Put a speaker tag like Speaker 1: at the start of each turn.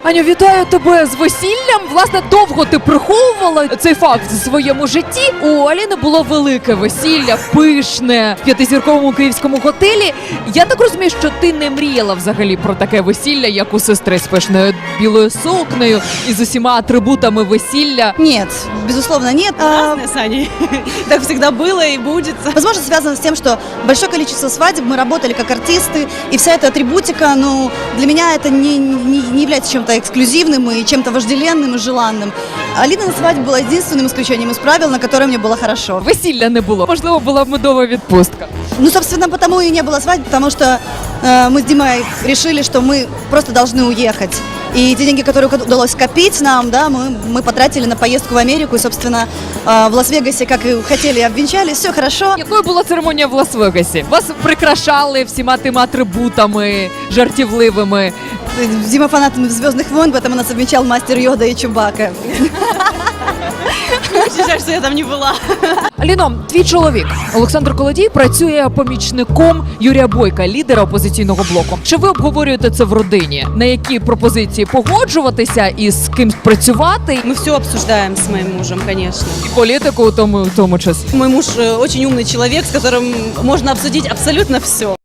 Speaker 1: Аню, вітаю тебе з весіллям. Власне, довго ти приховувала цей факт в своєму житті. У Аліни було велике весілля, пишне, в п'ятизірковому київському готелі. Я так розумію, що ти не мріяла взагалі про таке весілля, як у сестри з пишною білою сукнею і з усіма атрибутами весілля.
Speaker 2: Нет, безусловно, нет.
Speaker 3: Разные с Аней. Так всегда было и будет.
Speaker 2: Возможно, связано с тем, что большое количество свадеб, мы работали как артисты, и вся эта атрибутика, ну, для меня это не является чем-то эксклюзивным и чем-то вожделенным и желанным. Алинина свадьба была единственным исключением из правил, на которое мне было хорошо.
Speaker 1: Весілля не було. Можливо, була б медова відпустка.
Speaker 2: Ну, собственно, потому и не было свадьбы, потому что мы с Димой решили, что мы просто должны уехать. И те деньги, которые удалось скопить нам, да, мы потратили на поездку в Америку. И, собственно, в Лас-Вегасе, как и хотели, обвенчались, все хорошо.
Speaker 1: Якою була церемонія в Лас-Вегасі? Вас прикрашали всіма тими атрибутами жартівливими.
Speaker 2: Дима фанатами «Звездных войн», поэтому нас обвенчал мастер Йода и Чубака.
Speaker 3: Очень жаль, что я там не была.
Speaker 1: Аліно, твій чоловік Олександр Колодій працює помічником Юрія Бойка, лідера опозиційного блоку. Чи ви обговорюєте це в родині? На які пропозиції погоджуватися і з ким працювати?
Speaker 3: Мы все обсуждаем с моим мужем, конечно.
Speaker 1: І політику у тому часі.
Speaker 3: Мой муж очень умный человек, с которым можно обсудить абсолютно все.